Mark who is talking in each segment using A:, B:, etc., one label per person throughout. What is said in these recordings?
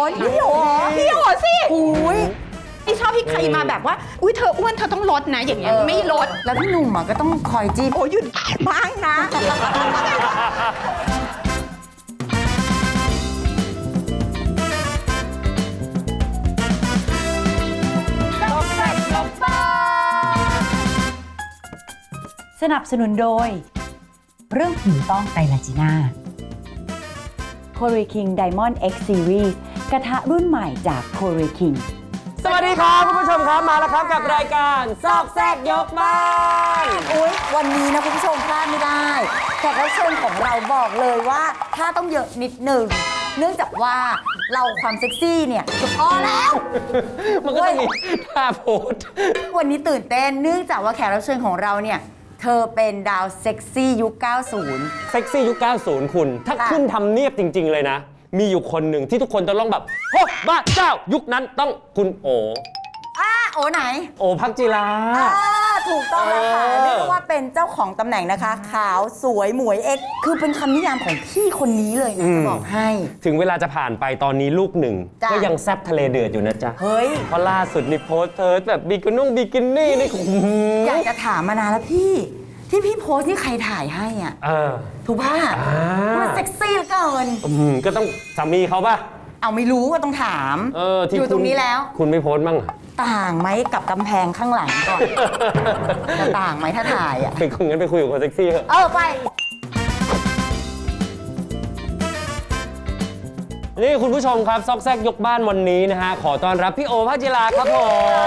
A: พี่โอสิอุ้ยไม่ชอบพี่ใครมาแบบว่าอุ้ยเธออ้วนเธอต้องลดนะอย่างเงี้ยไม่ลด
B: แล้วพี่หนุ่มก็ต้องคอยจี้
A: โอ้ยหยุดบ้างนะ
B: สนับสนุนโดยเรื่องผิวต้องไตรลาจีน่า Korea King Diamond X Series กระทะรุ่นใหม่จาก Korea King
C: สวัสดีครับคุณผู้ชมครับมาแล้วครับกับรายการซอกแซกยกบ้าน
B: อุ๊ยวันนี้นะคุณผู้ชมพลาดไม่ได้แขกรับเชิญของเราบอกเลยว่าถ้าต้องเยอะนิดหนึ่งเนื่องจากว่าเราความเซ็กซี่เนี่ยจะพอแล้ว
C: มันก็จะมีท่าโพส
B: วันนี้ตื่นเต้นเนื่องจากว่าแขกรับเชิญของเราเนี่ยเธอเป็นดาวเซ็กซี่ยุค 90
C: เซ็กซี่ยุค 90 คุณ ถ้า
B: ค่ะ
C: ขึ้นทำเนียบจริง ๆ เลยนะ มีอยู่คนหนึ่งที่ทุกคนจะต้องแบบโอ้บ้าเจ้ายุคนั้นต้องคุณโอ
B: โอ้ไหน
C: โอภักจิรา
B: ถูกต้องแล้วค่ะ
C: เออ
B: เรียกได้ว่าเป็นเจ้าของตำแหน่งนะคะ ขาวสวยหมวยเอ็กซ์คือเป็นคำนิยามของพี่คนนี้เลยนะจะบอกให้
C: ถึงเวลาจะผ่านไปตอนนี้ลูกหนึ่ง
B: จ้ะ
C: ก็ยังแซบทะเลเดือดอยู่นะจ๊ะ
B: เฮ้ย
C: เพราะล่าสุดนี่โพสต์เธอแบบบิกินี่นี่โอ้โห
B: อยากจะถามมานานแล้วพี่ที่พี่โพสต์นี่ใครถ่ายให้อ่ะ
C: เออ
B: ถูกป่ะ มันเซ็กซี่เหลือเกิน
C: ก็ต้องสามีเขาป่ะ
B: เอาไม่รู้ก็ต้องถาม
C: ที่
B: อยู่ตรงนี้แล้ว
C: คุณไม่โพสต์บ้างอะ
B: ต่างไหมกับกำแพงข้างหลังก่อน จะต่างไหมถ้าถ่ายอ่ะ
C: เป็นคนงั้นไปคุยกับคนเซ็กซี่เถอะ
B: ไป
C: นี่คุณผู้ชมครับซอกแซกยกบ้านวันนี้นะฮะ ขอต้อนรับพี่โอภักจิราครับผม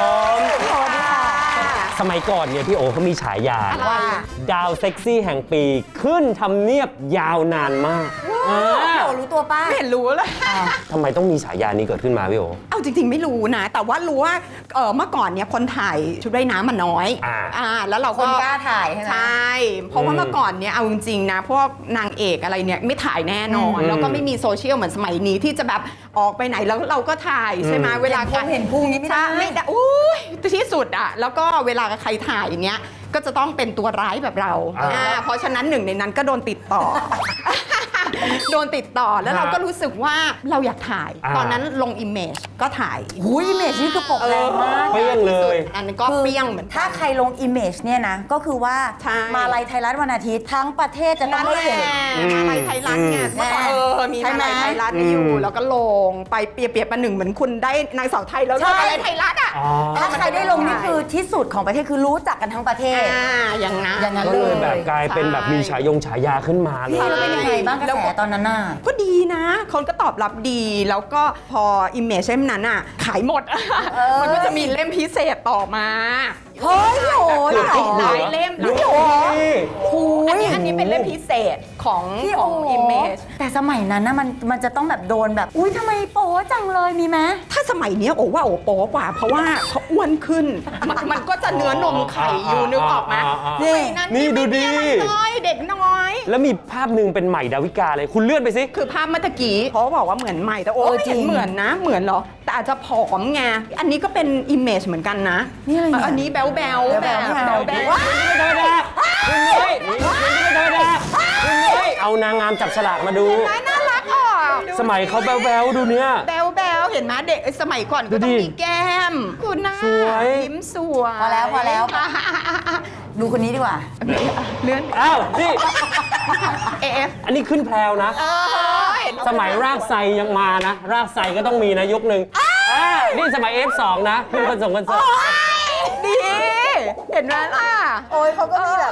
B: สวัสดีค่ะ
C: สมัยก่อนเนี่ยพี่โอเขามีฉายา
B: ว่า
C: ดาวเซ็กซี่แห่งปีขึ้นทำเนียบยาวนานมากอ่า
B: พี่โอรู้ตัวป้า
A: ไม่เห็นรู้เลย
C: ทำไมต้องมีฉายานี้เกิดขึ้นมาพี่โอ
A: เอาจริงๆไม่รู้นะ แต่ว่ารู้ว่าเมื่อก่อนเนี่ยคนถ่ายชุดว่ายน้ำมันน้อย แล้วเรา
B: ค
A: ก็
B: นกล้าถ่ายใช่ไหม
A: ใช่ เพราะว่าเมื่อก่อนเนี่ยเอาจริงๆนะพวกนางเอกอะไรเนี่ยไม่ถ่ายแน่นอน แล้วก็ไม่มีโซเชียลเหมือนสมัยนี้ที่จะแบบออกไปไหนแล้วเราก็ถ่ายใช่ไหมเวลา
B: เห็นพุงนี้ไม่ได้
A: ไม่ได้อุ้ยที่สุดอะแล้วก็เวลาใครถ่ายเนี้ยก็จะต้องเป็นตัวร้ายแบบเราเพราะฉะนั้นหนึ่งในนั้นก็โดนติดต่อ โดนติดต่อแล้วเราก็รู้สึกว่าเราอยากถ่าย ตอนนั้นลงอิมเมจก็ถ่าย
B: หุยอิมเมจนี่คือปกแรงมาก
C: เปรี้ยงเลย
A: อันนั้นก็เปรี้ยงเหมือนกัน
B: ถ้าใครลงอิมเมจเนี่ยนะ ก็คือว่า
A: ใช่
B: มาลัยไทยรัฐวันอาทิตย์ทั้งประเทศจะต้อง
A: นั่น
B: ได้
A: แหละ
B: เห็น
A: มาลัยไทยรัฐไงเมื่อก่อนมี
B: ใช่
A: มา
B: ไหม
A: ลัยไทยรัฐอยู่ แล้วก็ลงไปเปรียบประหนึ่งเหมือนคุณได้นางสาวไทยแล้ว
B: ใช่
A: มาลัยไทยรัฐอ่ะ
B: ถ้าใครได้ลงนี่คือที่สุดของประเทศคือรู้จักกันทั้งประเทศ
A: อย่างนั้น
B: อย่างนั้น
C: ก็เลยแบบกลายเป็นแบบมีฉายาขึ้นมาเลย
B: พี่แล้วเป็นยังไงบ้างกระแสตอนนั้นน่ะ
A: ก็ดีนะ คนก็ตอบรับดี แล้วก็พออิมเมจเล่มนั้นอ่ะ ขายหมด มันก็จะมีเล่มพิเศษต่อมา
B: เฮ้ยโห
A: หลายเล่ม
C: พี่โอ
A: อันนี้เป็นเล่มพิเศษของ
B: พี่
A: ข
B: โอ
A: องอิมเมจ
B: แต่สมัยนั้นนะมันจะต้องแบบโดนแบบ อุ้ยทำไมโป๊จังเลยมีไหม
A: ถ้าสมัยเนี้ยโอ้ว่าโอ้โป๊กว่า เพราะว่าเขาอ้วนขึ้น มันก็จะเนื้อนมไข่อยู่นึกออกไหม
B: นี่
A: สมัยนั้น
C: นี่ดูดิ
A: ไม่มีอะไรน้อยเด็กน้อย
C: แล้วมีภาพหนึ่งเป็นใหม่ดาวิกาเลยคุณเลื่อนไปสิ
A: คือภาพเมื่อตะกี้เขาบอกว่าเหมือนใหม่แต่โอ้ไม่เห็นเหมือนนะ เหมือนเหรอ แต่อาจจะผอมไงอันนี้ก็เป็นอิมเมจเหมือนกันนะ
B: นี่อะไรเนี่ย
A: อันนี้แบ๊วแบ๊วๆแบบ
B: แบ๊วๆ
A: แบ๊ว
B: ว้า
C: ไม่ธรรมดาคุณนุ้ยคุณไม่ธรรมดาคุณนุ้ยเอานางงามจับฉลากมาดู
A: ๆน่ารักออก
C: สมัยเขาแบ๊วๆดูเนี่ย
A: แบ๊วแบ๊วๆเห็นไหมเด็กสมัยก่อนก็ต้องมีแก้มคุณหน้า
C: สวย
A: ยิ้มสวย
B: พอแล้ว ดูคนนี้ดีกว่า
A: เลื่อน
C: อ้าวนี่
A: เอฟ
C: อันนี้ขึ้นแพรวนะ
A: เห็น
C: สมัยรากไซยังมานะ รากไซก็ต้องมีนะยุคหนึ่งนี่สมัย F2 นะขึ้นคอนเสิร์ต
A: ดี เห็นไหมล่ะ
B: โอ้ยเขาก็มีแบบ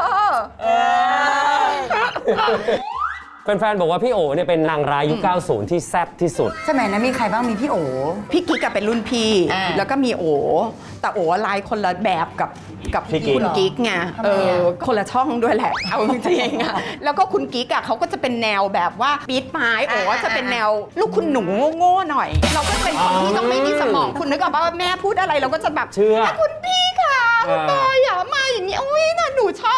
C: แฟนๆบอกว่าพี่โอเนี่ยเป็นนางร้ายยุค 90 ที่แซ่บที่สุด
B: สมัยนั้นมีใครบ้างมีพี่โอ
A: พี่กิ๊กกับเป็นรุ่นพี่ แล้วก็มีโอ แต่โอลายคนละแบบกับ
C: พี่กิ๊ก
A: คุณกิ๊กไงคนละช่องด้วยแหละ เอาจริงๆอะแล้วก็คุณกิ๊กอะเขาก็จะเป็นแนวแบบว่าปี๊ดไม้โอจะเป็นแนวลูกคุณหนูโง่ๆหน่อย เราก็เป็นคนที่ต้องไม่มีสมองคุณนึกออกป่ะว่าแม่พูดอะไรเราก็จะแบบ
C: เชื่อ
A: คุณพี่ค่ะคุณบอยอย่ามาอย่างนี้อุ้ยน่ะหนูชอบ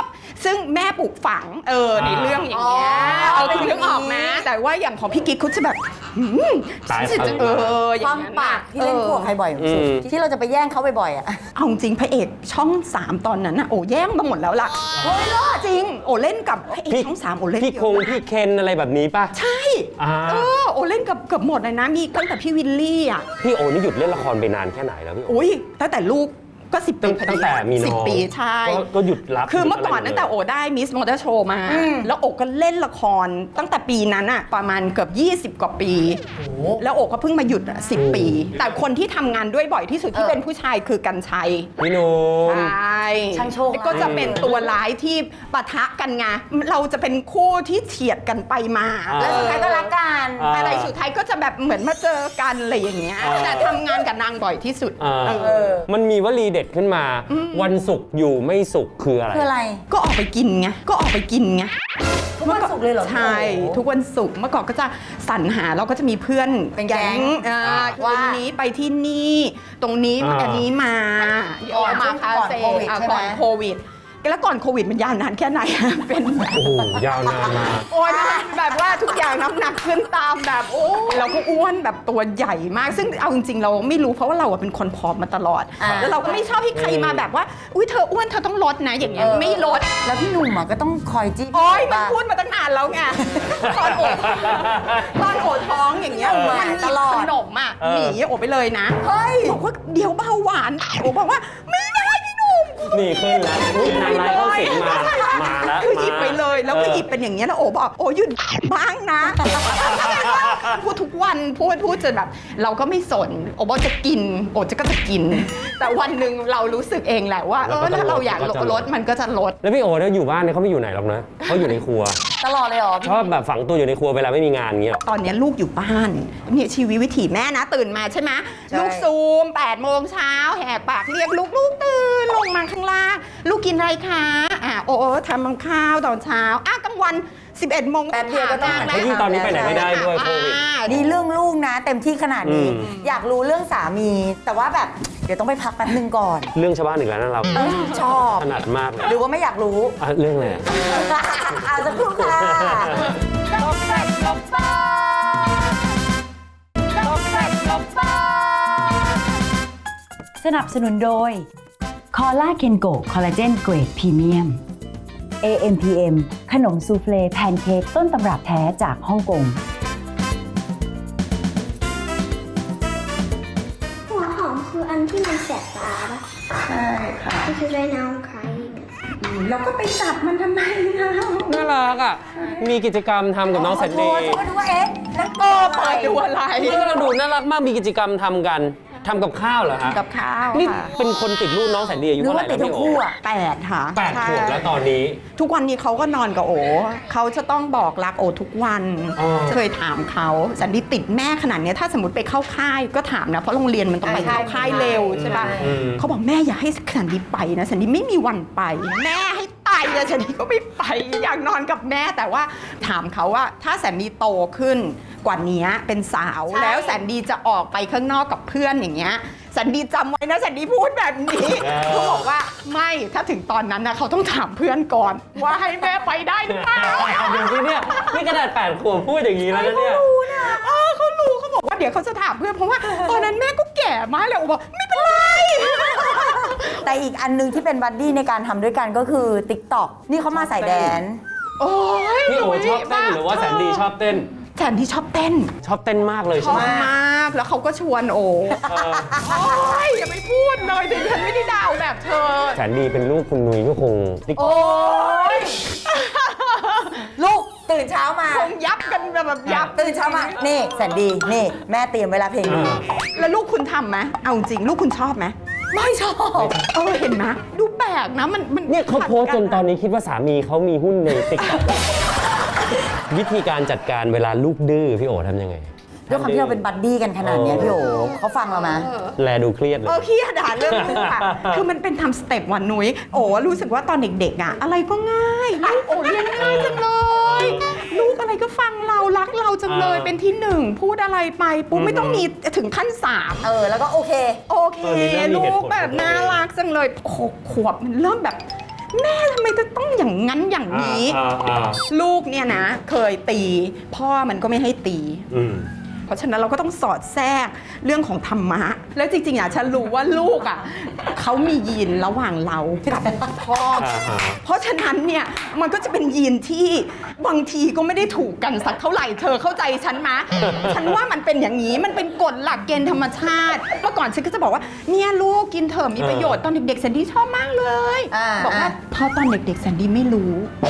A: ซึ่งแม่ปลูกฝังในเรื่องอย่างเงี้ยคุณนึกออกไหมแต่ว่าอย่างของพี่กิ๊กเขาจะแบบ
C: ตาย
A: อย่าง
B: ความ
A: นั้น
B: ปากที่เล่นคู่กับใครบ่อยสุดที่เราจะไปแย่งเขาบ่อยๆอ่ะ
A: เอาจริงพระเอกช่อง 3 ตอนนั้นน่ะโอ้แย่งมาหมดแล้วล่ะโอ้ยล่ะจริงโอ้เล่นกับพระเอกช่อง 3โอ้เล่น
C: พี่
A: เย
C: คง
A: อะ
C: พี่เคนอะไรแบบนี้ป่ะ
A: ใช่ โอ้เล่นกับเกือบหมดเลยนะมีตั้งแต่พี่วิลลี่อ่ะ
C: พี่โอนี่หยุดเล่นละครไปนานแค่ไหนแล้วพี่โอ
A: อุ้ยตั้งแต่ลูกก็10 ปีพอดี
C: ตั้งแต่มีน้อง
A: 10 ปีใช่
C: ก็หยุดรับ
A: คือเมื่อก่อน
C: หยุ
A: ตั้
C: ด
A: ง
C: อะไร
A: แต่โอได้มิสมอเตอร์โชว์มา แล้วโอก็เล่นละครตั้งแต่ปีนั้นอะประมาณเกือบ20 กว่าปี แล้วโอก็เพิ่งมาหยุดอะ10 ปี แต่คนที่ทำงานด้วยบ่อยที่สุดที่เป็นผู้ชายคือกันชัย
C: พี่หนุ่ม
A: ใช่
B: ช่างโชค
A: ก็จะเป็นตัวร้ายที่ปะทะกันไงเราจะเป็นคู่ที่เฉียดกันไปมา
B: แล้วสุดท้ายก็รักกัน
A: อะไรสุดท้ายก็จะแบบเหมือนมาเจอกันอะไรอย่างเงี้ยแต่ทำงานกับนางบ่อยที่สุด
C: มันมีวลีเด็ดขึ้นมา วันศุกร์อยู่ไม่สุขคืออะไร
B: คืออะไร
A: ก็ออกไปกินไงก็ออกไปกินไง
B: ทุกวันศุกร์เลยเหรอ
A: ใช่ ทุกวันศุกร์เมื่อก่อนก็จะสรรหาเราก็จะมีเพื่อน
B: เป็นแก๊ง
A: วั
B: ว่า
A: นนี้ไปที่นี่ ตรงนี้ อันนี้มา
B: ก่อน
A: มาคาเฟ่
B: ก่อนโควิดใช่ไหม
A: ก่อนโควิด แล้วก่อนโควิดมันยาวนานแค่ไหน เป็นแบบ
C: โอ้โหยาวนานมาก
A: โอ้ยแบบว่าทุกอย่างน้ำหนักขึ้นตามแบบโอ้เราก็อ้วนแบบตัวใหญ่มาก ซึ่งเอาจริงๆเราไม่รู้เพราะว่าเราเป็นคนผอมมาตลอด แล้วเราก็ไม่ชอบให้ใครมาแบบว่าอุ้ยเธออ้วนเธอต้องลดนะอย่างเงี้ยไม่ลด
B: แล้วพี่หนุ่มก็ต้องคอยจี้
A: โอ้ยมัน
B: บ้าง
A: พูดมาตั้งนานแล้วไง ตอนโอดท้องอย่างเงี้ย
B: หนุ่ม
A: มัน
B: ตลอด
A: ขนมอ่ะหนีโอไปเลยนะ
B: เฮ้ย
A: บอกว่าเดี๋ยวเบาหวานโอบอกว่าไม่ได้พี่หนุ่ม
C: นี่ขึ้นแล้วอุ๊ยนางร้ายเข้าสิงมาแล้ว
A: คือหยิบไปเลยแล้วก็หยิบเป็นอย่างเงี้ยแล้วโอบอกโอหยุดบ้างนะ พูดทุกวันพูดจนแบบ เราก็ไม่สนโอบอกจะกินโอก็จะกิน แต่วันหนึ่งเรารู้สึกเองแหละว่าถ้าเราอยากลดมันก็จะลด
C: แล้วพี่โอเนี่ยอยู่บ้านเนี่ยเขาไม่อยู่ไหนหรอกนะเขาอยู่ในครัว
B: ตลอดเลยเหรอ
C: ชอบแบบฝังตัวอยู่ในครัวเวลาไม่มีงานเงี้ย
A: ตอนนี้ลูกอยู่บ้านเนี่ยชีวิตวิถีแม่นะตื่นมาใช่ไหม
B: ใช่
A: ลูกซูม8 โมงเช้าแหกปากเรียกลูกตื่นลงมาข้างล่างลูกกินอะไรคะโอ้ทำข้าวตอนเช้ากลางวัน 11 โมง
B: แป๊บเดียวก็ต้องหัน
C: เพราะยิ่งตอนนี้ไปไหนไม่ได้ด้วยโควิด
B: นี่เรื่องลูกนะ เต็มที่ขนาดนี้
C: อืม
B: อยากรู้เรื่องสามี แต่ว่าแบบเดี๋ยวต้องไปพักแป๊บนึงก่อน
C: เรื่องชาวบ้านอีกแล้วนะเรา
B: ชอบ
C: ถนัดมากเลย
B: หรือว่าไม่อยากรู้
C: เรื่องอะไร
B: เอาสักครู่ค่ะ
D: สนับสนุนโดยคอล่าเคนโกคอลลาเจนเกรดพรีเมียม AMPM ขนมซูเฟลแพนเค้กต้นตำรับแท้จากฮ่องกง
E: หัวหอมคืออันที่มันแสบตาปะ
A: ใช่ค่ะ
E: Because right now I'm crying
A: เราก็ไปจับมันทำไมนะ
C: น่ารักอ่ะ มีกิจกรรมทำกับน้องแสนดี
B: ฉันก็ดูว่าเอ๊ะนั่น
A: เปิดดูอะไร
C: นี่ก็ดูน่ารักมาก มีกิจกรรมทำกัน ทำกับข้าวเหรอฮะ
A: กับข้าว
C: นี่
A: ค่ะ
C: เป็นคนติดลูกน้องแสนดีอายุ
B: หรือ
C: เท่าไห
B: ว่า
C: ร่
B: ติด
C: แล้ว
B: ทั้
C: พี่
B: ง
C: โอ
B: คู่อ่ะ
A: 8 ค่ะ
C: 8 ขวบแล้วตอนนี้
A: ทุกวันนี้เขาก็นอนกับโอเขาจะต้องบอกรักโอทุกวัน
C: อ๋อ
A: เคยถามเขาสันดีติดแม่ขนาดเนี้ยถ้าสมมติไปเข้าค่ายก็ถามนะเพราะโรงเรียนมันต้องไปเข้าค่ายเร็วใช่ปะ
C: อืม
A: เขาบอกแม่อย่าให้สันดีไปนะสันดีไม่มีวันไป แม่ให้ตายเลยสันดีก็ไม่ไปอยากนอนกับแม่แต่ว่าถามเขาว่าถ้าสันดีโตขึ้นกว่านี้เป็นสาว
B: ใช่
A: แล้วสันดีจะออกไปข้างนอกกับเพื่อนอย่างเงี้ยสันดีจำไว้นะสันดีพูดแบบนี้เขาบอกว่าไม่ถ้าถึงตอนนั้นนะเขาต้องถามเพื่อนก่อน ว่าให้แม่ไปได้หรือเปล่า
C: ดูสิเนี่ยนี่ขนาด8 ขวบพูดอย่างนี้แล้วนะเนี่ย
A: เขารู้เขาบอกว่าเดี๋ยวเขาจะถามเพื่อนเพราะว่าตอนนั้นแม่ก็แก่มากเลยโอ้บอกไม่เป็นไร
B: แต่อีกอันนึงที่เป็นบัดดี้ในการทำด้วยกันก็คือ TikTok นี่เขามาใส่แดน
A: โอ้ย
C: พี่โอชอบเต้นหรือว่าแสนดีชอบเต้น
A: แสนที่ชอบเต้น
C: ชอบเต้นมากเลย
A: ช
C: ใช่
A: อ
C: ไห
A: บ
C: ม
A: มากแล้วเขาก็ชวนโอ้
C: เออ
A: โอ้ยอย่าไปพูดเลยถึงฉันไม่ได้ดาวแบบเธอ
C: แสนดีเป็นลูกคุณนุ้ยก็คงติ๊ก
A: โอ้ย
B: ลูกตื่นเช้ามา
A: คงยับกันแบบยับ
B: ตื่นเช้ามา นี่แสนดีนี่แม่เตรียมเวลาเพลงนี้
A: แล้วลูกคุณทำไหมเอาจริงลูกคุณชอบไหม
B: ไม่ชอบ
A: เห็นไหมดูแปลกนะมัน
C: เนี่ยเขาโพสต์จนตอนนี้คิดว่าสามีเขามีหุ้นในติ๊กต็อกวิธีการจัดการเวลาลูกดื้อพี่โอทำยังไง
B: ด้วยความที่เราเป็นบัดดี้กันขนาดเนี้ยพี่โอเขาฟังเราไหม
C: แลดูเครียดเลย
A: พี่ด่าเรื่องลูกอะ คือมันเป็นทำสเต็ปวันนุ้ยโอ้รู้สึกว่าตอนเด็กๆอะอะไรก็ง่ายลูกโอ้เรียนง่ายจังเลย ลูกอะไรก็ฟังเรารักเราจังเลย
C: เออ
A: เป็นที่หนึ่งพูดอะไรไปปุ๊บไม่ต้องมีถึงขั้น3
B: แล้วก็โอเค
A: โอเค
C: เออนี่เริ่มมี
A: ลู
C: เหตุ
A: ก
C: ผล
A: แบบน่ารักจังเลย6 ขวบมันเริ่มแบบแม่ทำไมจะต้องอย่างนั้นอย่างนี้ ลูกเนี่ยนะเคยตีพ่อมันก็ไม่ให้ตีเพราะฉะนั้นเราก็ต้องสอดแทรกเรื่องของธรรมะแล้วจริงๆฉันรู้ว่าลูกเขามียีนระหว่างเรากับพ่อเพราะฉะนั้นเนี่ยมันก็จะเป็นยีนที่บางทีก็ไม่ได้ถูกกันสักเท่าไหร่เธอเข้าใจฉันมะ ฉันว่ามันเป็นอย่างนี้มันเป็นกฎหลักเกณฑ์ธรรมชาติเมื่อก่อนฉันก็จะบอกว่าเนี่ยลูกกินเถอะมีประโยชน์ตอนเด็กๆแซนดี้ชอบมากเลยบอกว่าพอตอนเด็กๆแซนดี้ไม่รู้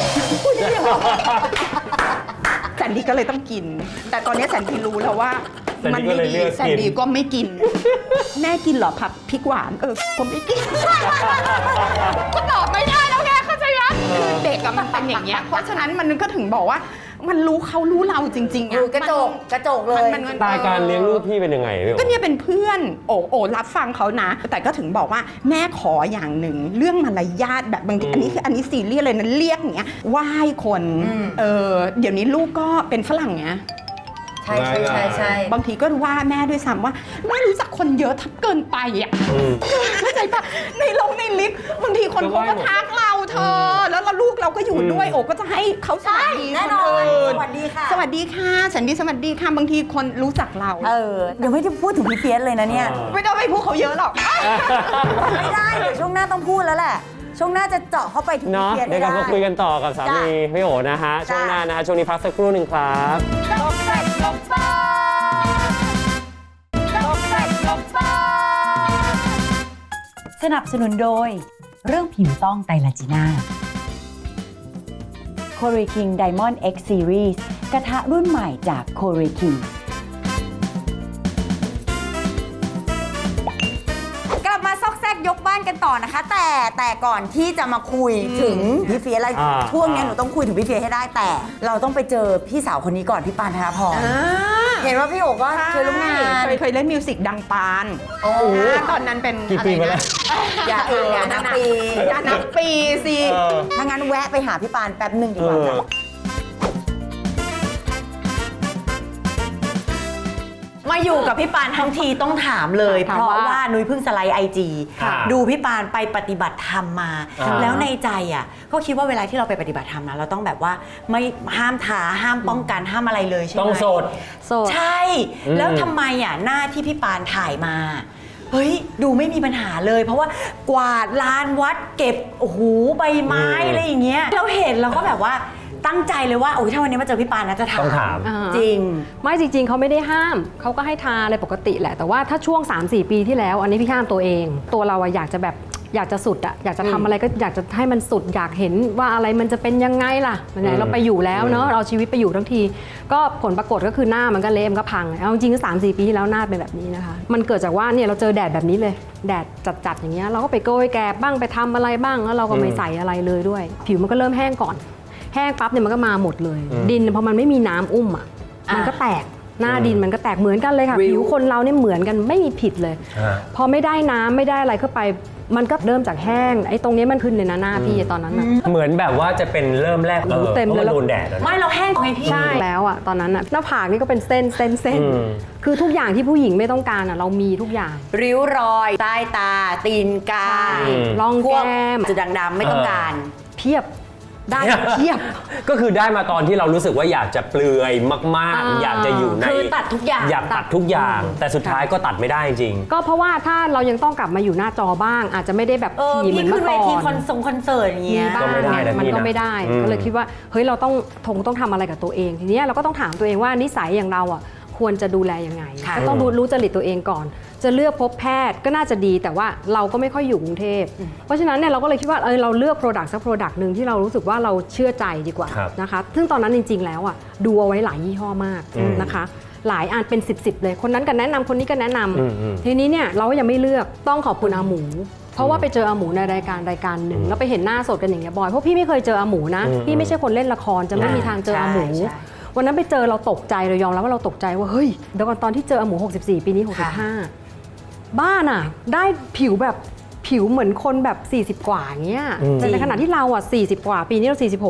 A: แซนดี้ก็เลยต้องกินแต่ตอนนี้แซนดี้รู้แล้วว่ามันไม่ดีแซนดี้ก็ไม่กินแม่กินเหรอผักพริกหวานผมไม่กินก็ตอบไม่ได้แล้วไงเข้าใจไหมคือเด็กมันเป็นอย่างเงี้ยเพราะฉะนั้นมันก็ถึงบอกว่ามันรู้เขารู้เราจริงๆ
B: อยู่กระจกเลย
C: ตายการเลี้ยงลูกพี่เป็นยังไงพี่โอ
A: ก็เนี่ยเป็นเพื่อนโอ้รับฟังเขานะแต่ก็ถึงบอกว่าแม่ขออย่างหนึ่งเรื่องมารยาทแบบบางทีอันนี้ซีเรียสเลยนะเรียกอย่างเงี้ยไหว้คนเดี๋ยวนี้ลูกก็เป็นฝรั่งไง
B: ใช่
A: บางทีก็ว่าแม่ด้วยซ้ำว่าแม่รู้จักคนเยอะทับเกินไปอ่ะเข้าใจปะในลิฟต์บางทีคนเขาก็ทักเราเธอแล้วลูกเราก็อยู่ด้วยโอ้ก็จะให้เขาสวัสดี
B: แน่นอน
A: คนอื่น
B: สวัสดีค่ะ
A: สวัสดีค่ะฉันดีสวัสดีค่ะบางทีคนรู้จักเรา
B: ยังไม่ได้พูดถึงพี่เฟียสเลยนะเนี่ย
A: ไม่ต้องไปพูดเขาเยอะหรอก
B: ไม่ได้เดี๋ยวช่วงหน้าต้องพูดแล้วแหละช่วงหน้าจะเจาะเข้าไปถึง
C: เนาะ
B: พี่เฟียส
C: เดี๋ยวกลับมาคุยกันต่อกับสามีพี่โอนะฮะช่วงหน้านะฮะช่วงนี้พักสักครู่หนึ่งครับ
D: สนับสนุนโดยเรื่องผิวต้องไตรลาจีน่า c o r e King Diamond X Series กระทะรุ่นใหม่จาก c o r e King
B: กลับมาซอกแซกยกบ้านกันต่อนะคะ แต่ก่อนที่จะมาคุยถึงพี่เฟียสอะไรช่วงนี้หนูต้องคุยถึงพี่เฟียสให้ได้แต่เราต้องไปเจอพี่สาวคนนี้ก่อนพี่ปานธนพรเห็นว่าพี่โอ๋ก็เคยร่วมงาน
A: เคยเล่นมิวสิกดังปานตอนนั้นเป็น
C: กี่ปีมาแล้ว
B: อย่านับปี
A: อย่านับปีสิ
B: ถ้างั้นแวะไปหาพี่ปานแป๊บหนึ่งดีกว่าค่ะมาอยู่กับพี่ปานทั้งทีต้องถามเลย เพราะว่านุ้ยเพิ่งสไลด์IG ดูพี่ปานไปปฏิบัติธรรมมา แล้วในใจก็คิดว่าเวลาที่เราไปปฏิบัติธรรมนะเราต้องแบบว่าไม่ห้ามท้าห้ามป้องกันห้ามอะไรเลยใช่ไหม
C: ต้องโสด
B: ใช่ แล้วทำไมหน้าที่พี่ปานถ่ายมาเฮ้ยดูไม่มีปัญหาเลย เพราะว่ากวาดลานวัดเก็บโอ้โหใบไม้อะไรอย่างเงี้ยเราเห็นเราก็แบบว่าตั้งใจเลยว่าโอ้ยถ้าวันนี้มาเจอพี่ปานนะจะถาม
C: ต้องถาม
B: จริง
F: ไม่จริงๆเขาไม่ได้ห้ามเขาก็ให้ทาอะไรปกติแหละแต่ว่าถ้าช่วง 3-4 ปีที่แล้วอันนี้พี่ห้ามตัวเองตัวเราอยากจะแบบอยากจะสุดอยากจะทำอะไรก็อยากจะให้มันสุดอยากเห็นว่าอะไรมันจะเป็นยังไงล่ะไหนเราไปอยู่แล้วเนาะเราชีวิตไปอยู่ทั้งทีก็ผลปรากฏก็คือหน้ามันก็เละมันก็พังเอาจริงๆก็3-4 ปีที่แล้วหน้าเป็นแบบนี้นะคะมันเกิดจากว่าเนี่ยเราเจอแดดแบบนี้เลยแดดจัดๆอย่างเงี้ยเราก็ไปโกยแกบบ้างไปทำอะไรบ้างแล้วเราก็ไม่ใส่อะไรเลยด้วยผิวมันก็เริ่มแห้งก่อนแห้งปั๊บเนี่ยมันก็มาหมดเลยดินพอมันไม่มีน้ำอุ้มมันก็แตกหน้าดินมันก็แตกเหมือนกันเลยค่ะผิวคนเราเนี่ยเหมือนกันไม่มีผิดเลยพอไม่ได้น้ำไม่ได้อะไรเข้าไปมันก็เริ่มจากแห้งไอ้ตรงนี้มันขึ้นเลยนะหน้าพี่ตอนนั้น
C: เหมือนแบบว่าจะเป็นเริ่มแรก
F: เต็มเลย
C: พราะว่าโดนแดดอะ
B: ไม่เราแห้งไงพี่
F: ใช่แล้วตอนนั้นหน้าผากนี่ก็เป็นเส้นคือทุกอย่างที่ผู้หญิงไม่ต้องการเรามีทุกอย่าง
B: ริ้วรอยใต้ตาตีนกา
F: ร่อง
B: พวก
F: แก้ม
B: จุดด่างๆไม่ต้องการ
F: เพียบได้เพียบ
C: ก็คือได้มาตอนที่เรารู้สึกว่าอยากจะเปลือยมากๆ อยากจะอยู่ใน
B: คือตัดทุกอย่าง
C: อยากตัดทุกอย่าง แต่สุดท้ายก็ตัดไม่ได้จริง
F: ก็เพราะว่าถ้าเรายังต้องกลับมาอยู่หน้าจอบ้าง อาจจะไม่ได้แบบถี่เหมื
B: พี่
F: อน
B: ขึ้
F: เมื่
B: น
F: อ
B: เว
F: ก่อ
B: ที
F: น
B: คอนเสิร์ตอย่างเงี้ย
F: บ้าง
C: ก็ไม่ได้นะ
F: มัน
C: พี่
F: ก็
C: นะ
F: ไม่ได้ก็เลยคิดว่าเฮ้ยเราต้องทำอะไรกับตัวเองทีนี้เราก็ต้องถามตัวเองว่านิสัยอย่างเราควรจะดูแลยังไงก็ต้องรู้จริตตัวเองก่อนจะเลือกพบแพทย์ก็น่าจะดีแต่ว่าเราก็ไม่ค่อยอยู่กรุงเทพเพราะฉะนั้นเนี่ยเราก็เลยคิดว่าเราเลือก Product สัก Product หนึ่งที่เรารู้สึกว่าเราเชื่อใจดีกว่านะคะซึ่งตอนนั้นจริงๆแล้วดูเอาไว้หลายยี่ห้อมากนะคะหลายอันเป็น10เลยคนนั้นก็แนะนำคนนี้ก็แนะนำทีนี้เนี่ยเราก็ยังไม่เลือกต้องขอบคุณอาหมูเพราะว่าไปเจออาหมูในรายการหนึ่งแล้วไปเห็นหน้าสดกันอย่างเงี้ยบ่อยเพราะพี่ไม่เคยเจออาหมูนะพี่ไม่ใช่คนเล่นละครจะไม่มีทางเจออาหมูวันนั้นไปเจอเราตกใจเรายอมรับว่าเราตกใจว่าเฮ้ยเดี๋ยวก่อนตอนที่เจออาหมู64ปีนี้65บ้านได้ผิวแบบผิวเหมือนคนแบบ40กว่าอย่างเงี้ยแต่ในขณะที่เรา40กว่าปีนี้เรา46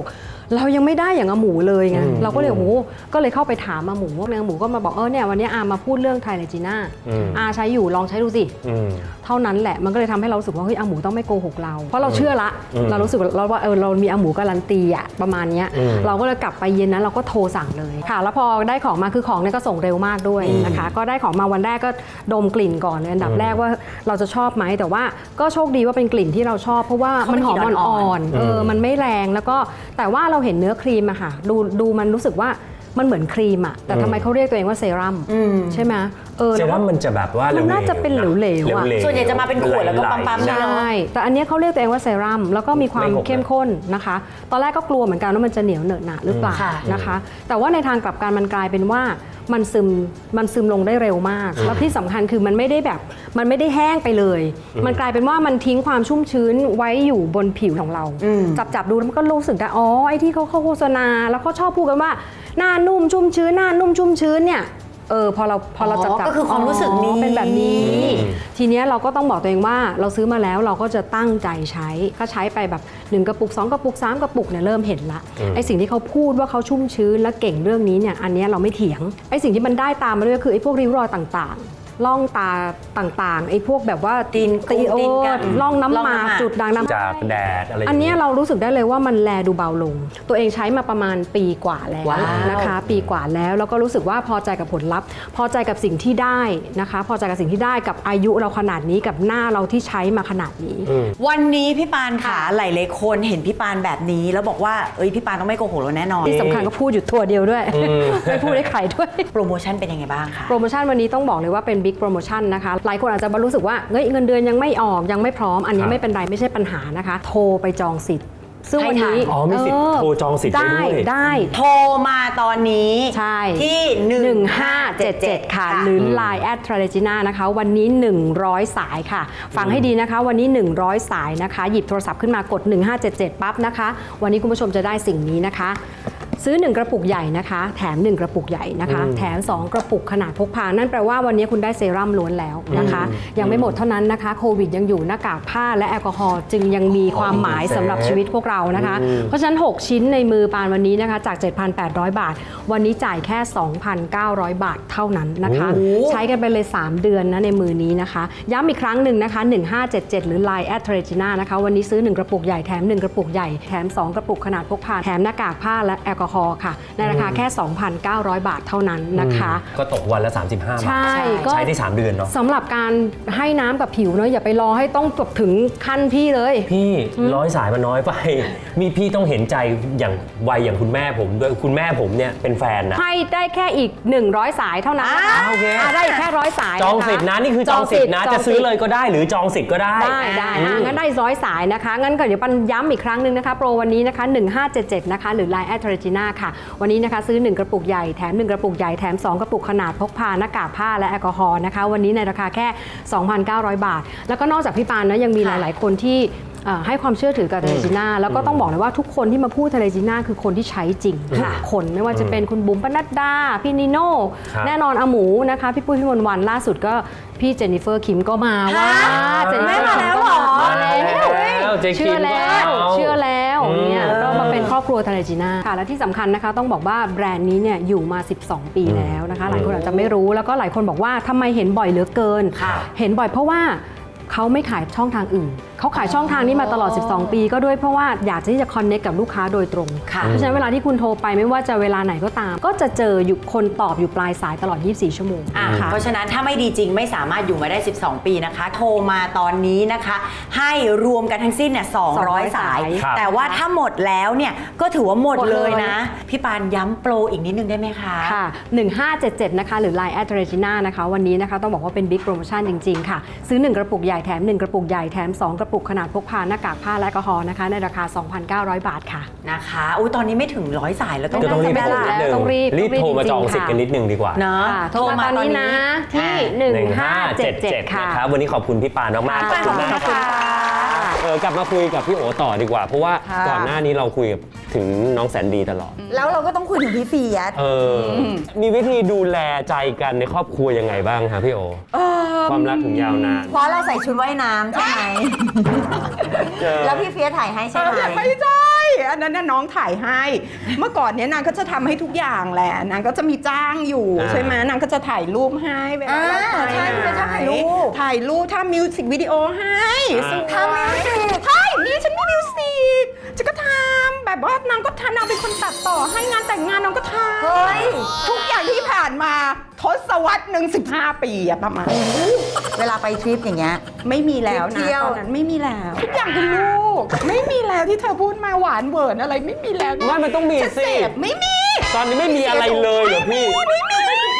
F: เรายังไม่ได้อย่างอาหมูเลยไงเราก็เลยโอ้โหก็เลยเข้าไปถามอาหมูว่าอาหมูก็มาบอกเนี่ยวันนี้อามาพูดเรื่องไทเลจีน่าอาใช้อยู่ลองใช้ดูสิเท่านั้นแหละมันก็เลยทำให้เรารู้สึกว่าเฮ้ยอาหมูต้องไม่โกหกเราเพราะเราเชื่อละเรารู้สึกว่าเรามีอาหมูการันตีอะประมาณนี้เราก็เลยกลับไปเย็นนั้นเราก็โทรสั่งเลยค่ะแล้วพอได้ของมาคือของเนี่ยก็ส่งเร็วมากด้วยนะคะก็ได้ของมาวันแรกก็ดมกลิ่นก่อนเลยอันดับแรกว่าเราจะชอบไหมแต่ว่าก็โชคดีว่าเป็นกลิ่นที่เราชอบเพราะว่ามันหอมอ่อนๆมันไม่แรงแล้วก็แต่ว่าเราเห็นเนื้อครีมอะค่ะดูมันรู้สึกว่ามันเหมือนครีมอะแต่ทำไมเขาเรียกตัวเองว่าเซรั่มใช่ไหม
C: เซรั่มมันจะแบบว่า
F: มันน่าจะเป็นเหลวๆอะ
B: ส่วนใหญ่จะมาเป็นขวดแล้วก็ปั๊มๆ
F: ใช่แต่อันนี้เขาเรียกตัวเองว่าเซรั่มแล้วก็มีความเข้มข้นนะคะตอนแรกก็กลัวเหมือนกันว่ามันจะเหนียวเหนอะหนะหรือเปล่านะคะแต่ว่าในทางกลับกันมันกลายเป็นว่ามันซึมลงได้เร็วมากแล้วที่สำคัญคือมันไม่ได้แห้งไปเลยมันกลายเป็นว่ามันทิ้งความชุ่มชื้นไว้อยู่บนผิวของเราจับดูแล้วมันก็รู้สึกได้ไอ้ที่เขาโฆษณาแล้วเขาชอบพูดกันว่าหน้านุ่มชุ่มชื้นหน้านุ่มชุ่มชื้นเนี่ยพอเราจับ
B: ก็คือความรู้สึกนี้
F: เป็นแบบนี้ทีเนี้ยเราก็ต้องบอกตัวเองว่าเราซื้อมาแล้วเราก็จะตั้งใจใช้ก็ใช้ไปแบบ1กระปุก2กระปุก3กระปุกเนี่ยเริ่มเห็นละไอสิ่งที่เขาพูดว่าเขาชุ่มชื้นและเก่งเรื่องนี้เนี่ยอันนี้เราไม่เถียงไอสิ่งที่มันได้ตามมาด้วยคือไอพวกริ้วรอยต่างๆล่องตาต่างๆไอ้พวกแบบว่าตีนล่องน้ำหมากจุดด่างน้ำ
C: จากแดดอะไร
F: อันนี้เรารู้สึกได้เลยว่ามันแลดูเบาลงตัวเองใช้มาประมาณปีกว่าแล้วนะคะปีกว่าแล้วก็รู้สึกว่าพอใจกับผลลัพธ์พอใจกับสิ่งที่ได้นะคะพอใจกับสิ่งที่ได้กับอายุเราขนาดนี้กับหน้าเราที่ใช้มาขนาดนี้
B: วันนี้พี่ปานค่ะหลายๆคนเห็นพี่ปานแบบนี้แล้วบอกว่าพี่ปานต้องไม่โกหกเราแน่นอน
F: ที่สำคัญก็พูดอยู่ตัวเดียวด้วยไม่พูดได้ใครด้วย
B: โปรโมชั่นเป็นยังไงบ้างคะ
F: โปรโมชั่นวันนี้ต้องบอกเลยว่าเป็นบิ๊กโปรโมชั่นนะคะหลายคนอาจจะรู้สึกว่าเงินเดือนยังไม่ออกยังไม่พร้อมอันนี้ไม่เป็นไรไม่ใช่ปัญหานะคะโทรไปจองสิทธิ์ซึ่งวันนี้
C: มีสิทธิ์โทรจองสิทธิ์
F: ได้
B: โทรมาตอนนี้
F: ใช่
B: ที่
F: 1577ค่ะหรือ Line @Tralegina นะคะวันนี้100สายค่ะฟังให้ดีนะคะวันนี้100สายนะคะหยิบโทรศัพท์ขึ้นมากด1577ปั๊บนะคะวันนี้คุณผู้ชมจะได้สิ่งนี้นะคะซื้อ1กระปุกใหญ่นะคะแถม1กระปุกใหญ่นะคะแถม2กระปุกขนาดพกพานั่นแปลว่าวันนี้คุณได้เซรั่มล้วนแล้วนะคะยังไม่หมดเท่านั้นนะคะโควิดยังอยู่หน้ากากผ้าและแอลกอฮอล์จึงยังมีความหมายสำหรับชีวิตพวกเรานะคะเพราะฉะนั้น6ชิ้นในมือปานวันนี้นะคะจาก 7,800 บาทวันนี้จ่ายแค่ 2,900 บาทเท่านั้นนะคะใช้กันไปเลย3เดือนนะในมือนี้นะคะย้ำอีกครั้งหนึ่งนะคะ1577หรือ Line @Tralegina นะคะวันนี้ซื้อ1กระปุกใหญ่แถม1กระปุกใหญ่แถม2กระปุกขนาดพกพาแถมหน้ากากผ้าและแอลกอฮอล์ค่ะในราคาแค่ 2,900 บาทเท่านั้นนะคะ
C: ก็ตกวันละ35 บาทใช้ได้3เดือนเนาะ
F: สำหรับการให้น้ำกับผิวเนาะอย่าไปรอให้ต้องถึงขั้นพี่เลย
C: พี่100สายมันน้อยไปมีพี่ต้องเห็นใจอย่างวัยอย่างคุณแม่ผมด้วยคุณแม่ผมเนี่ยเป็นแฟนนะ
F: ให้ได้แค่อีก100สายเท่านั้น
C: โอเค
F: ได้แค่100สาย
C: จองสิทธิ์นะนี่คือจองสิทธิ์นะจะซื้อเลยก็ได้หรือจองสิทธิ์ก็ได้
F: ได้งั้นได้100สายนะคะงั้นก็เดี๋ยวปันย้ำอีกครั้งนึงนะคะโปรวันนี้นะคะ1577นะคะหรือ Line @Tralegina ค่ะวันนี้นะคะซื้อ1กระปุกใหญ่แถม1กระปุกใหญ่แถม2กระปุกขนาดพกพาหน้ากากผ้าและแอลกอฮอล์นะคะวันนี้ในราคาแค่ 2,900 บาทแล้วก็นอกจากพี่ปานนะยังมีหลายๆคนที่ให้ความเชื่อถือกับTraleginaแล้วก็ต้องบอกเลยว่าทุกคนที่มาพูดTraleginaคือคนที่ใช้จริงทุกคนไม่ว่าจะเป็นคุณบุ๋มปนัดดาพี่นิโน่แน่นอนอาหมูนะคะพี่ปุ้ยพี่มนต์วันล่าสุดก็พี่เจนนิเฟอร์คิมก็มาว่า
B: เจนนิเฟอร์มาแล้วหรอ
F: เชื่อแล้วเนี่ยก็มาเป็นครอบครัวTraleginaค่ะและที่สำคัญนะคะต้องบอกว่าแบรนด์นี้เนี่ยอยู่มา12ปีแล้วนะคะหลายคนอาจจะไม่รู้แล้วก็หลายคนบอกว่าทำไมเห็นบ่อยเหลือเกินเห็นบ่อยเพราะว่าเขาไม่ขายช่องทางอื่นเขาขายช่องทางนี้มาตลอด12ปีก็ด้วยเพราะว่าอยากที่จะคอนเนคกับลูกค้าโดยตรงเพราะฉะนั้นเวลาที่คุณโทรไปไม่ว่าจะเวลาไหนก็ตามก็จะเจออยู่คนตอบอยู่ปลายสายตลอด24ชั่วโมง
B: เพราะฉะนั้นถ้าไม่ดีจริงไม่สามารถอยู่มาได้12ปีนะคะโทรมาตอนนี้นะคะให้รวมกันทั้งสิ้นเนี่ย200สายแต่ว่าถ้าหมดแล้วเนี่ยก็ถือว่าหมดเลยนะพี่ปานย้ำโปรอีกนิดนึงได้ไหมคะ
F: ค่ะ1577นะคะหรือ Line @Tralegina นะคะวันนี้นะคะต้องบอกว่าเป็นบิ๊กโปรโมชั่นจริงๆค่ะซื้อ1กระปุกใหญ่แถม1กระปุกใหญ่แถม2กระปุกขนาดพกพาหน้ากากผ้าและแอลกอฮอล์นะคะในราคา 2,900 บาทค่ะ
B: นะคะตอนนี้ไม่ถึง100สายแล้ว
C: ต้องรีบโทรมาจองสิทธิ์กันนิดนึงดีกว่า
F: เนาะโทรมาตอนนี้นะที่1577ค่ะ
C: ครับวันนี้ขอบคุณพี่ปานมากๆขอบคุณมากค่ะกลับมาคุยกับพี่โอต่อดีกว่าเพราะว่าก่อนหน้านี้เราคุยกับถึงน้องแสนดีตลอด
B: แล้วเราก็ต้องคุยถึงพี่เฟียส
C: มีวิธีดูแลใจกันในครอบครัวยังไงบ้างคะพี่โอความรักถึงยาวนาน
B: เพราะเราใส่ชุดว่ายน้ำใช่ไหมแล้วพี่เฟียสถ่ายให้ใช่ไหม
A: ไม่ใช่อันนั้นน่ะน้องถ่ายให้ เมื่อก่อนเนี้ยนางก็จะทำให้ทุกอย่างแหละนางก็จะมีจ้างอยู่ใช่ไหมนางก็จะถ่ายรูปให้เวลาเราไป
B: ใช่เป็นช่างถ่ายรูป
A: ถ่ายรูปทำมิวสิกวิดีโอให้สวย
B: ทำมิวสิก
A: ใช่นี่ฉันมีมิวสิกฉันก็ทำแบบว่านางก็ทำนางเป็นคนตัดต่อให้งานแต่งงานนางก็ทำ
B: เฮ้ย
A: ทุกอย่างที่ผ่านมาทศวรรษหนึ่ง15 ปีอะประมาณ
B: เวลาไปทริปอย่างเงี้ย
A: ไม่มีแล้ว
B: เที่
A: นะ
B: ยว
A: ตอนนั้นไม่มีแล้วทุกอย่างคือลูก ไม่มีแล้วที่เธอพูดมาหวานเวิร์นอะไรไม่มีแล้ว
C: ไม่มันต้องมี
A: ฉัน
C: สิ
A: เสพไม่มี
C: ตอนนี้ไม่มีอะไรเลยเหรอพี่
A: ไม่มี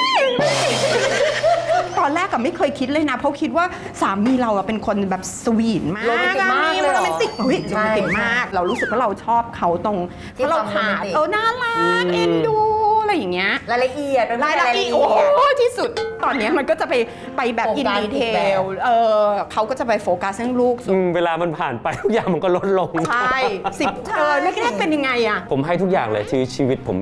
A: ตอนแรกก็ไม่เคยคิดเลยนะ เพราะคิดว่าสามีเราอะเป็นคนแบบสวีทมาก
B: โรแมนติกมากเลยเหรอ
A: โรแมนติกเฮ้ยโร
B: ใช่
A: แมนติกมาก เรารู้สึกว่าเราชอบเขาตรง
B: ที่
A: เพราะเรา
B: ความ
A: ขาด
B: โรแมนติก
A: น่ารักเอ็นดูอะไรอย่างเงี้ย
B: รายละเอียดเป็น
A: รายละเอียด
B: ด
A: โอ้โหที่สุดตอนเนี้ยมันก็จะไปแบบ
B: โฟ
A: อิน
B: กัส
A: ดีเท
B: อีกแบบ
A: ลเขาก็จะไปโฟกัสเรื่องลูกสุด
C: เวลามันผ่านไปทุกอย่างมันก็ลดลง
A: ใช่แรกๆเป็นยังไงอะ
C: ผมให้ทุกอย่างเลยชีวิตผมมี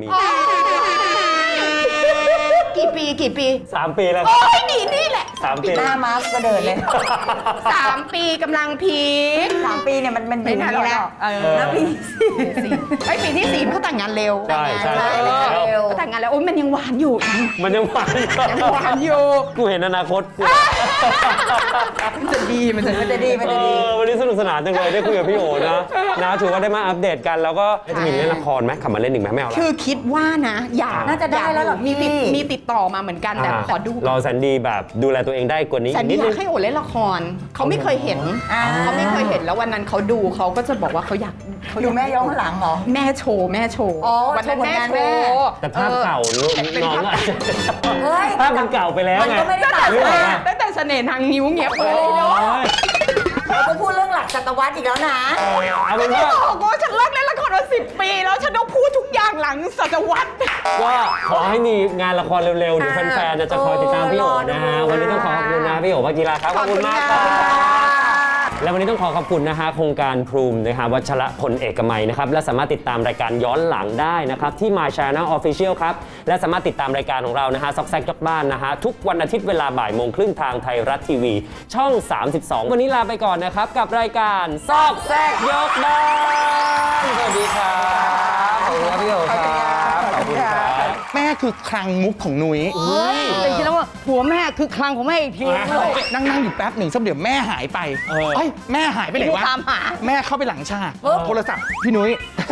A: กี่ปี
C: 3 ปีแล้ว
A: โอ้ยนี่แหละ
C: 3 ปี
B: หน้ามาร์คก็เดินเลย
A: 3 ปีกำลังพีค
B: 3 ปีเนี่ยมันอยู่
A: ไม่นาน
B: นี่
A: แล้
B: แล้ว วแล้วปี
A: ไอ้ยปีที่4เขาแต่งงานเร็ว
C: ใช่ใช่
B: ใช่
C: แล้ว
B: เร็ว
A: เขาแต่งงานแล้วโอ้ยมันยังหวานอยู่
C: มันยังหวานอยู่
A: ยังหวานอยู่
C: กูเห็นอนาคตกู
A: มันจะดีมันจะ
B: มันจะดีมันจะดี
C: วันนี้สนุกสนานจังเลยได้คุยกับพี่โอนะถือว่าได้มาอัปเดตกันแล้วก็จะมีเล่นละครไหมขับมาเล่นหนึ่งไหมไม่เอาละ
A: คือคิดว่านะอยาก
B: น่าจะได้แล้วเหรอ
A: มีติดต่อมาเหมือนกันแต่ขอดู
C: รอแซนดี้แบบดูแลตัวเองได้กว่านี้
A: แต่
C: อีกนิ
A: นี่
C: ด
A: อ
C: นึ
A: ยาง กให้โอเล่นละครเขาไม่เคยเห็น
B: อ่า
A: เขาไม่เคยเห็นแล้ววันนั้นเขาดูเขาก็จะบอกว่าเขาอยากเขา
B: ดูแม่ย้อนหลังเหรอ
A: แม่โชว์
B: อ๋อ
A: วันนั้นแม่
B: โชว์ผลงานแม่
A: โชว์
C: แต่ภาพเก่า
A: เป็น
C: น้อง
A: ภาพ
C: อาจจะ
B: เฮ้ย
C: ภาพมันเก่าไปแล้ว
B: มัน
C: ไง
B: ก็ไม่ได้ต่าง
C: นึกออกปะ
A: ตั้งแต่เสน่ห์ทางนิ้วเงี้ยเปิดเลยเนาะ
B: เราก็พูดเรื่องหลักศตวรรษอีกแล้วนะ
C: เอาเป็น
A: ไม่
C: ว่า
A: บอกว่าฉันเลิกเล่นละครมา10 ปีแล้วฉันต้องพูดทุกอย่างหลังศตวรรษ
C: ก็ขอให้มีงานละครเร็วๆเดี๋ยวแฟนๆจะคอยติดตามพี่โอนะฮะวันนี้ต้องขอขอบคุณนะพี่โอวากีฬาครับขอบคุณมากครับ และวันนี้ต้องขอขอบคุณนะฮะโครงการพรูมนะฮะวัชระพลเอกมัยนะครับและสามารถติดตามรายการย้อนหลังได้นะครับที่ My Channel Official ครับและสามารถติดตามรายการของเรานะฮะซอกแซกยกบ้านนะฮะทุกวันอาทิตย์เวลาบ่ายโมงครึ่งทางไทยรัฐทีวีช่อง 32 วันนี้ลาไปก่อนนะครับกับรายการซอกแซกยกบ้านสวัสดีครับขอบคุณครับพี่โอครับขอบคุณครับ
G: แม่คือคลังมุกของนุ้ย
H: แต่จริงๆแล้วว่าผัวแม่คือคลังของแม่อีกทีนึงเลย
G: นั่งอยู่แป๊บหนึ่งสักเดี๋ยวแม่หายไป
C: เออ
G: เอ้ยแม่หายไปไหนวะ
H: ตามหา
G: แม่เข้าไปหลังฉากโทรศัพท์พี่นุ้ย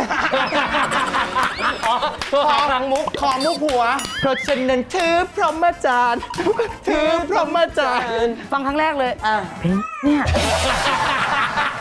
C: ตัวหาครั้งมุก
G: ขอมุกผัว เพราะฉะนั้นถือพรหมจรรย์ถือพรหมจรรย์
H: ฟังครั้งแรกเลย
B: อ่า
H: เนี่ย